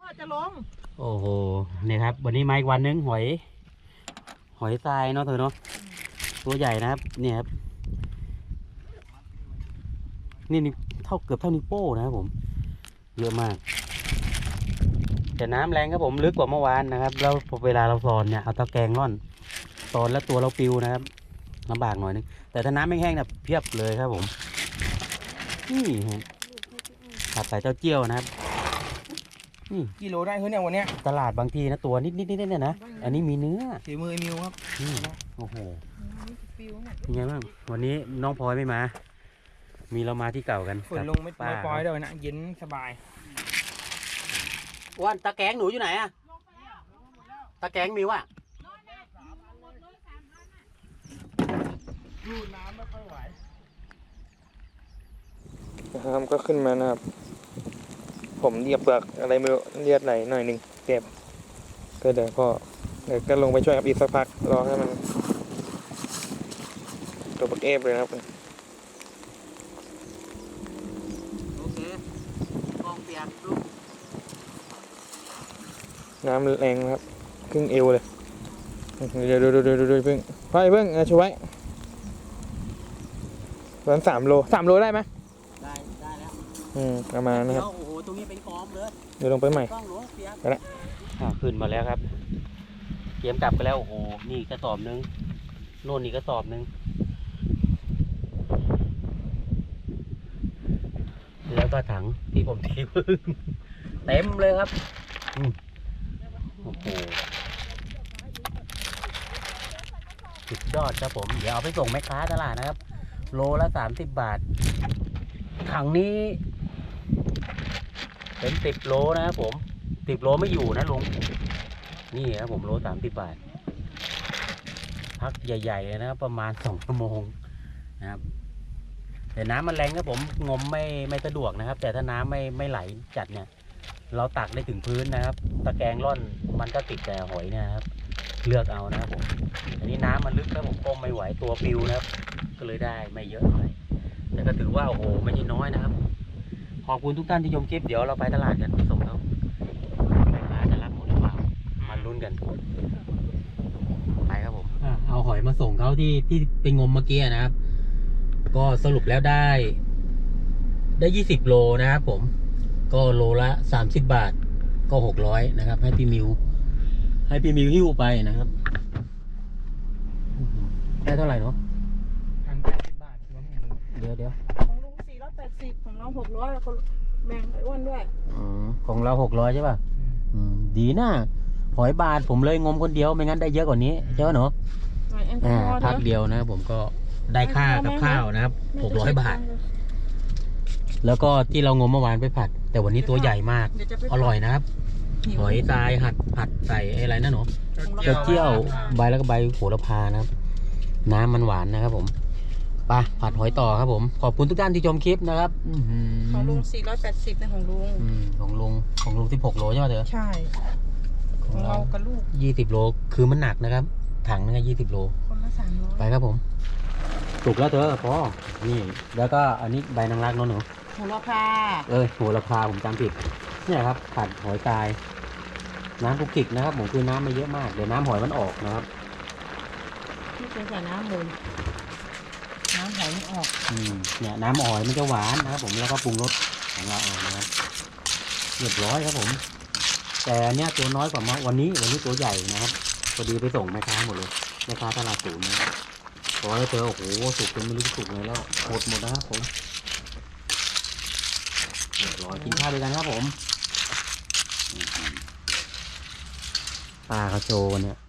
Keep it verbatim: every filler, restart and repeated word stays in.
ก็จะลงโอ้โหเนี่ยครับวันนี้มาอีกวันนึงหอยหอยทรายเนาะเธอเนาะตัวใหญ่นะครับเนี่ยครับนี่นี่เท่าเกือบเท่านิ้วโป้นะครับผมเยอะมากแต่น้ำแรงครับผมลึกกว่าเมื่อวานนะครับแล้วเวลาเราสอนเนี่ยเอาตะแกรงร่อนสอนแล้วตัวเราปิวนะครับลำบากหน่อยนึงแต่ถ้าน้ำไม่แห้งเนี่ยเพียบเลยครับผมนี่ผัดใส่เต้าเจี้ยวนะครับนี่กิโลได้เฮ้ยเนี่ยวันเนี้ยตลาดบางทีนะตัวนิดนิดนิดเนี่ยนะอันนี้มีเนื้อฝีมือมิวครับโอ้โหยังไงบ้างวันนี้น้องพลอยไม่มามีเรามาที่เก่ากันฝนลงไม่ปล่อยเลยนะเย็นสบายวันตะแกรงหนูอยู่ไหนอะตะแกรงมิวอะดูน้ำไม่ค่อยไหวนะครับก็ขึ้นมานะครับผมเรียบเปลือกอะไรไม่รู้เลียดไหลหน่อยหนึ่งเจ็บก็เดี๋ยวพอเดี๋ยวก็ลงไปช่วยกับอีกสักพักรอให้มันตัวปักเอฟเลยนะครับโอเคกองเปียกลูกน้ำแรงครับครึ่งเอวเลยเดี๋ยวดูดูดูดูดูเพิ่งพ่อเพิ่งช่วยประมาณสามโลสามโลได้ไหมได้ได้แล้วอืมประมาณนะครับโอ้โหตรงนี้เป็นกองเลยเดี๋ยวลงไปใหม่ไปแล้วขึ้นมาแล้วครับเตรียมกลับไปแล้วโอ้โหนี่กระสอบนึงโน่นนี่กระสอบนึงแล้วก็ถังที่ผมทิ้งเต็มเลยครับโอ้โหสุดยอดครับผมเดี๋ยวเอาไปส่งแม่ค้าตลาดนะครับโลละสามสิบบาทถังนี้เป็นสิบโลนะครับผมสิบโลไม่อยู่นะลุงนี่ครับผมโลสามสิบบาทพักใหญ่ๆเลยนะครับประมาณสองชั่วโมงนะครับแต่น้ำมันแรงครับผมงมไม่ไม่สะดวกนะครับแต่ถ้าน้ำไม่ไม่ไหลจัดเนี่ยเราตักได้ถึงพื้นนะครับตะแกรงร่อนมันก็ติดแต่หอยนะครับเลือกเอานะครับผมอันนี้น้ำมันลึกครับผมก้มไม่ไหวตัวปิวนะครับก็เลยได้ไม่เยอะเท่าไหร่แต่ก็ถือว่าโอ้โหไม่ใช่น้อยนะครับขอบคุณทุกท่านที่ชมคลิปเดี๋ยวเราไปตลาดกันส่งเขาแม่ค้าจะรับหมดหรือเปล่ามาลุ้นกันไปครับผมเอาหอยมาส่งเขาที่ที่ไปงมเมื่อกี้นะครับก็สรุปแล้วได้ได้ยี่สิบโลนะครับผมก็โลละสามสิบบาทก็หกร้อยนะครับให้พี่มิวให้พี่มิวหิ้วไปนะครับได้เท่าไหร่เนาะพันแปดสิบบาทเดี๋ยวเดี๋ยวของลุงสี่ร้อยแปดสิบของน้องหกร้อยคนแบ่งไอ้อ้วนด้วยอ๋อของเราหกร้อยใช่ป่ะอืมดีนะหอยบาทผมเลยงมคนเดียวไม่งั้นได้เยอะกว่านี้ใช่ไหมหนูอ่าพักเดียวนะผมก็ได้ค่ากับข้าวนะครับหกร้อยบาทแล้วก็ที่เรางมเมื่อวานไปผัดแต่วันนี้ตัวใหญ่มากอร่อยนะครับหอยทรายหัดผัดใส่อะไรนะหนูเจ้าเจี้ยวใบแล้วก็ใบโหระพานะครับน้ำมันหวานนะครับผมไปผัดหอยต่อครับผมขอบคุณทุกท่านที่ชมคลิปนะครับของลุงสี่ร้อยแปดสิบนะของลุงของลุงของลุงสิบหกโลใช่ไหมเธอใช่ของเรากับลูกยี่สิบโลคือมันหนักนะครับถังนึงยี่สิบโลคนละสามร้อยไปครับผมถูกแล้วเธอพอนี่แล้วก็อันนี้ใบนางรักน้องหนูโหระพาเออโหระพาผมจำผิดเนี่ยครับผัดหอยทรายน้ำกุกกิกนะครับผมคือน้ำไม่เยอะมากเดี๋ยวน้ำหอยมันออกนะครับที่เป็นใส่น้ำมูลน้ำหอยมันออกอืมเนี่ยน้ำหอยมันจะหวานนะครับผมแล้วก็ปรุงรสของเราเองนะครับเรียบร้อยครับผมแต่เนี้ยตัวน้อยกว่ามาวันนี้วันนี้ตัวใหญ่นะครับพอดีไปส่งแม่ค้าหมดเลยแม่ค้าตลาดศูนย์นะขอให้เธอโอ้โหสุกจนไม่รู้สุกเลยแล้วหดหมดนะครับผมเรียบร้อยกินข้าวด้วยกันครับผมปลาเขาโชว์เนี่ย